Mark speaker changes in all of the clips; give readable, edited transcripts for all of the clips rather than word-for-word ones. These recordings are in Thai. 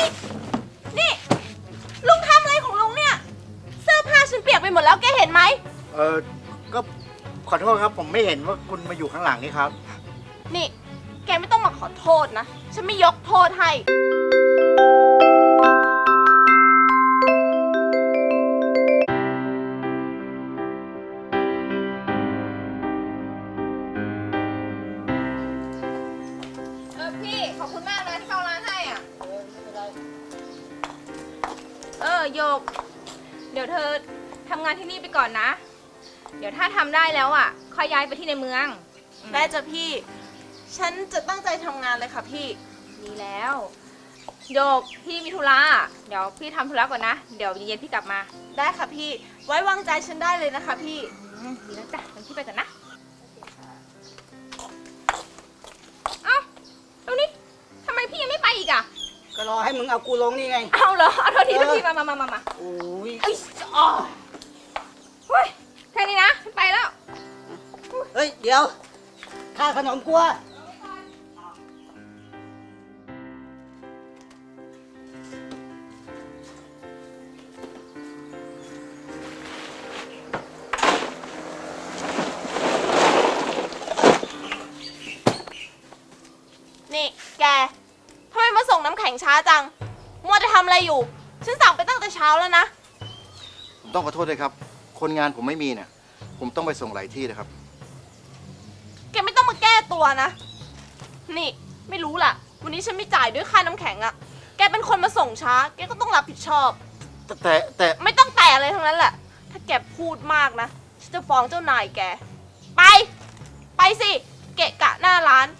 Speaker 1: นี่ลุงทำอะไรของลุงเนี่ยเสื้อผ้าฉันเปียกไปหมดแล้วแกเห็นไหม
Speaker 2: ก็ขอโทษครับผมไม่เห็นว่าคุณมาอยู่ข้างหลังนี่ครับ
Speaker 1: นี่แกไม่ต้องมาขอโทษนะฉันไม่ยกโทษให้พี่ขอบคุณมากนะที่เข้าร้านให้อ่ะโยกเดี๋ยวเธอทำงานที่นี่ไปก่อนนะเดี๋ยวถ้าทำได้แล้วอ่ะค่อยย้ายไปที่ในเมืองได้จ้ะพี่ฉันจะตั้งใจทำงานเลยค่ะพี่ดีแล้วโยกพี่มีธุระเดี๋ยวพี่ทำธุระก่อนนะเดี๋ยวเย็นๆพี่กลับมาได้ค่ะพี่ไว้วางใจฉันได้เลยนะคะพี่ดีแล้วจ้ะงั้นพี่ไปก่อนนะเอ้าแล้วนี่ทำไมพี่ยังไม่ไปอีกอ่ะ
Speaker 3: ก็รอให้มึงเอากูลงนี่ไง
Speaker 1: เอาเหรอเอาโทษทีพี่มา
Speaker 3: โอ้ย
Speaker 1: เอ้ยอ๋อเฮ้ยแค่นี้นะฉันไปแล้ว
Speaker 3: เฮ้ยเดี๋ยวค่าขนมกูอะ
Speaker 1: นี่แกทำไมมาส่งน้ำแข็งช้าจังมัวจะทำอะไรอยู่ฉันสั่งไปตั้งแต่เช้าแล้วนะ
Speaker 2: ผมต้องขอโทษด้วยครับคนงานผมไม่มีเนี่ยผมต้องไปส่งหลายที่นะครับ
Speaker 1: แกไม่ต้องมาแก้ตัวนะนี่ไม่รู้ล่ะวันนี้ฉันไม่จ่ายด้วยค่าน้ำแข็งอะแกเป็นคนมาส่งช้าแกก็ต้องรับผิดชอบ
Speaker 2: แต่
Speaker 1: ไม่ต้องแต่อะไรทั้งนั้นแหละถ้าแกพูดมากนะฉันจะฟ้องเจ้านายแกไปสิเกะกะหน้าร้าน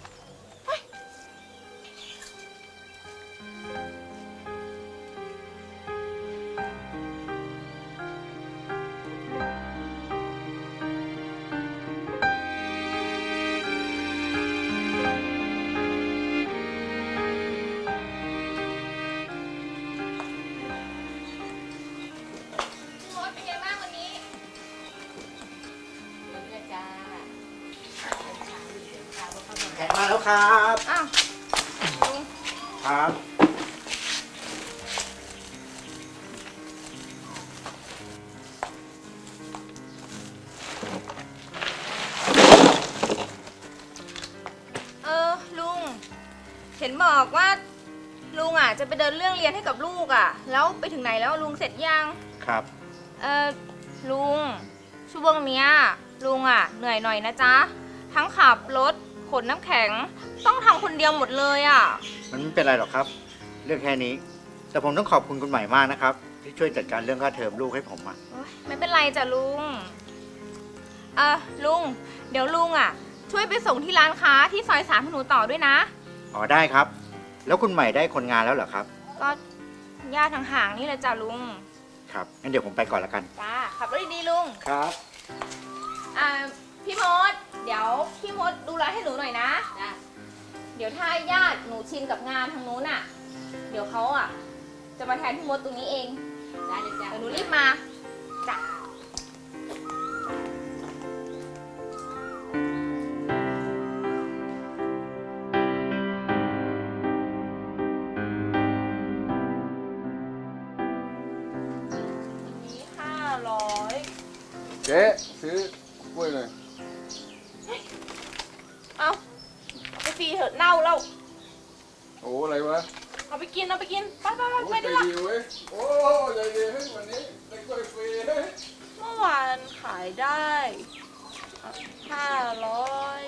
Speaker 2: แขกมาแล้วครับ
Speaker 1: อ้าว
Speaker 2: ครับ
Speaker 1: ลุงเห็นบอกว่าลุงอ่ะจะไปเดินเรื่องเรียนให้กับลูกอ่ะแล้วไปถึงไหนแล้วลุงเสร็จยัง
Speaker 2: ครับ
Speaker 1: ลุงช่วงเนี้ยลุงอ่ะเหนื่อยหน่อยนะจ๊ะทั้งขับรถขนน้ำแข็งต้องทำคนเดียวหมดเลยอ่ะ
Speaker 2: มันไม่เป็นไรหรอกครับเรื่องแค่นี้แต่ผมต้องขอบคุณคุณใหม่มากนะครับที่ช่วยจัดการเรื่องค่าเทอมลูกให้ผมอ่ะ
Speaker 1: ไม่เป็นไรจ้ะลุงลุงเดี๋ยวลุงอ่ะช่วยไปส่งที่ร้านค้าที่ซอย3ให้หนูต่อด้วยนะ
Speaker 2: อ๋อได้ครับแล้วคุณใหม่ได้คนงานแล้วเหรอครับ
Speaker 1: ก็ญาติห่างๆนี่แหละจ้ะลุง
Speaker 2: ครับงั้นเดี๋ยวผมไปก่อนละกัน
Speaker 1: จ้าขับรถดีๆลุง
Speaker 2: ครับ
Speaker 1: พี่มดเดี๋ยวพี่มดดูแลให้หนูหน่อยนะเดี๋ยวถ้าญาติหนูชินกับงานทางนู้นอ่ะเดี๋ยวเขาอ่ะจะมาแทนพี่มดตรงนี้เองได้เลยจ้ะเดี๋ยวหนูรีบมาจ้ะ
Speaker 4: เจ๊ซื้อกล้วยเลย
Speaker 1: เอาไปฟรีเถอะเน่าแล้ว
Speaker 4: โอ้อะไรวะ
Speaker 1: เอาไปกินไปได้ละ
Speaker 4: โอ้ใจดีเฮ้ยวันนี้ได้กล้วยฟรี
Speaker 1: เมื่อวานขายได้500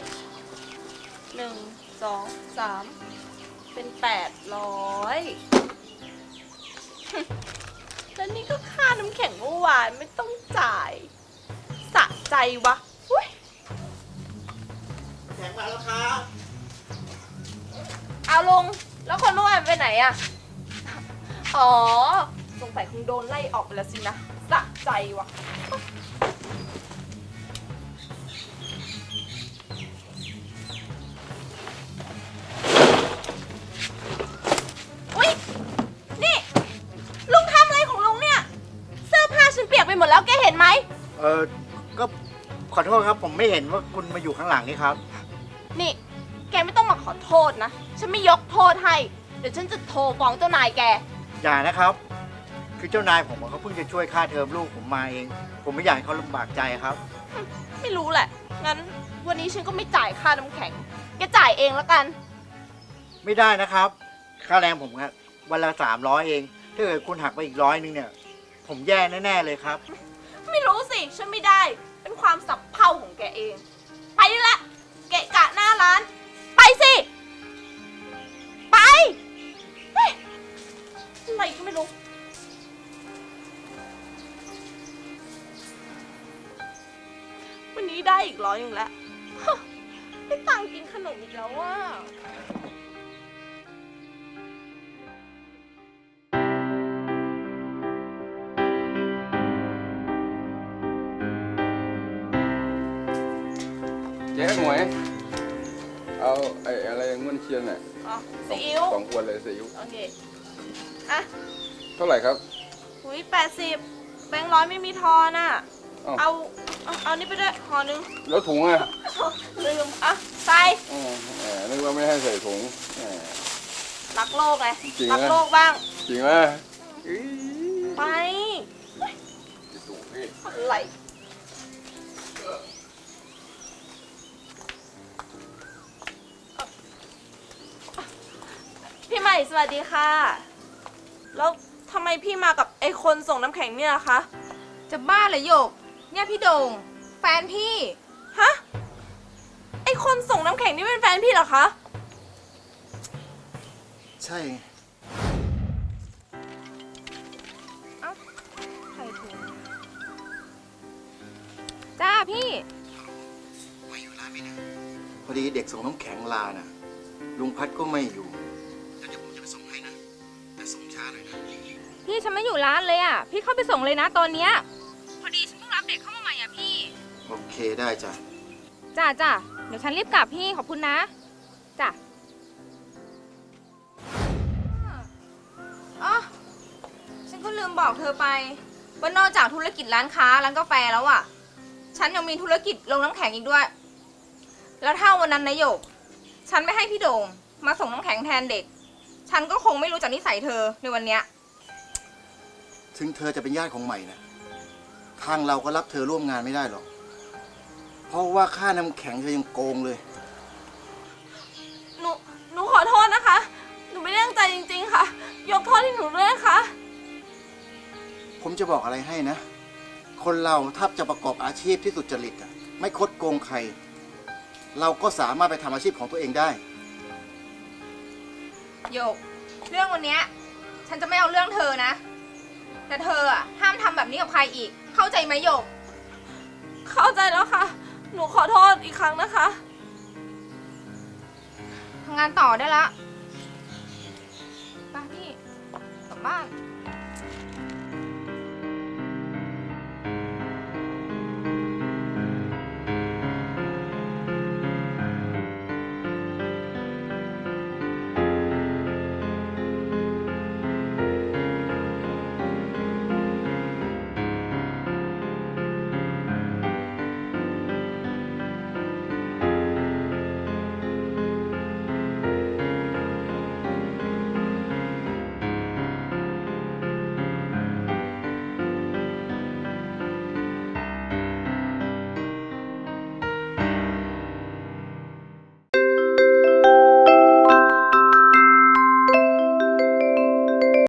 Speaker 1: 1 2 3เป็น800แล้วนี่ก็ค่าน้ำแข็งเมื่อวานไม่ต้องจ่ายสะใจวะ
Speaker 2: แขกมาแล้วครับ
Speaker 1: เอาลงแล้วคนเมื่อวานไปไหนอะอ๋อสงสัยคงโดนไล่ออกไปแล้วสินะสะใจวะอุ๊ยนี่ลุงทำอะไรของลุงเนี่ยเสื้อผ้าฉันเปียกไปหมดแล้วแกเห็นไหม
Speaker 2: ก็ขอโทษครับผมไม่เห็นว่าคุณมาอยู่ข้างหลังนี่ครับ
Speaker 1: นี่แกไม่ต้องมาขอโทษนะฉันไม่ยกโทษให้เดี๋ยวฉันจะโทรฟ้องเจ้านายแก
Speaker 2: อย่านะครับ คือเจ้านายผมเขาเพิ่งจะช่วยค่าเทอมลูกผมมาเอง ผมไม่อยากให้เขาลำบากใจครับ
Speaker 1: ไม่รู้แหละ งั้นวันนี้ฉันก็ไม่จ่ายค่าน้ำแข็ง แกจ่ายเองแล้วกัน
Speaker 2: ไม่ได้นะครับ ค่าแรงผมครับวันละ300เอง ถ้าเกิดคุณหักไปอีก100เนี่ย ผมแย่แน่ๆเลยครับ
Speaker 1: ไม่รู้สิ ฉันไม่ได้ เป็นความสับเพร่าของแกเอง ไปได้ละ เกะกะหน้าร้าน ไปสิ ไปเฮ้ยอะไรก็ไม่รู้ วันนี้ได้อีก100แล้วฮะได้ตังค์กินขนมอีกแล้วว่า
Speaker 4: เจ๊หมวยเอาอะไรเงินเชียนน่ะ
Speaker 1: อ๋อซีอิ๊ว
Speaker 4: 2 ขวดเลยซีอิ๊ว
Speaker 1: โอเค อ่ะ
Speaker 4: เท่าไหร่ครับ
Speaker 1: หุย80 แบงค์ร้อยไม่มีทอนอ่ะ
Speaker 4: อ้าว
Speaker 1: เอานี่ไปด้วยห่อนึง
Speaker 4: แล้วถุงอ่ะ
Speaker 1: ลืม อ่ะ ใส่
Speaker 4: นึกว่าไม่ให้ใส่ถุง
Speaker 1: รักโลกไง
Speaker 4: จริง
Speaker 1: รั
Speaker 4: นะ
Speaker 1: โลกบ้าง
Speaker 4: จริงไหม
Speaker 1: ไป
Speaker 4: ถุงพี่
Speaker 1: อะไรพี่ใหม่สวัสดีค่ะ แล้วทำไมพี่มากับไอ้คนส่งน้ำแข็งเนี่ยล่ะคะ
Speaker 5: จะบ้าเหรอโยก เนี่ยพี่โด่งแฟนพี่
Speaker 1: ฮะ ไอ้คนส่งน้ำแข็งนี่เป็นแฟนพี่เหรอคะ
Speaker 2: ใช่
Speaker 5: ใครโทรจ้าพี่
Speaker 6: ไม่อยู่ร้านไม่นานพอดีเด็กส่งน้ำแข็งลาน่ะ ลุงพัดก็ไม่อยู่แล้วเดี๋ยวผมจะไปส่งให้นะ แต่ส่งช้าหน่อยนะ
Speaker 5: พี่ฉันไม่อยู่ร้านเลยอ่ะ พี่เข้าไปส่งเลยนะตอนเนี้ยพอดีฉันเพิ่งรับเด็กเข้ามาใหม่อ่ะพี่
Speaker 6: โอเคได้จ้ะ
Speaker 5: จ้าจ้าเดี๋ยวฉันรีบกลับพี่ขอบคุณนะจ้า
Speaker 1: อ๋อ ฉันก็ลืมบอกเธอไป ว่านอกจากธุรกิจร้านค้าร้านกาแฟแล้วอ่ะ ฉันยังมีธุรกิจลงน้ำแข็งอีกด้วย แล้วถ้าวันนั้นนายโยก ฉันไม่ให้พี่โด่งมาส่งน้ำแข็งแทนเด็ก ฉันก็คงไม่รู้จักนิสัยเธอในวันเนี้ย
Speaker 6: ถึงเธอจะเป็นญาติของใหม่นะทางเราก็รับเธอร่วมงานไม่ได้หรอก เพราะว่าค่าน้ำแข็งเธอยังโกงเลย
Speaker 1: หนูขอโทษนะคะ หนูไม่ได้ตั้งใจจริงๆค่ะ ยกโทษให้หนูด้วยนะคะ
Speaker 6: ผมจะบอกอะไรให้นะ คนเราถ้าจะประกอบอาชีพที่สุจริตอะไม่คดโกงใคร เราก็สามารถไปทำอาชีพของตัวเองได้
Speaker 1: โยก เรื่องวันเนี้ยฉันจะไม่เอาเรื่องเธอนะ แต่เธออะห้ามทำแบบนี้กับใครอีก เข้าใจไหมโยก เข้าใจแล้วค่ะ หนูขอโทษอีกครั้งนะคะทำงานต่อได้ละไปพี่กลับบ้าน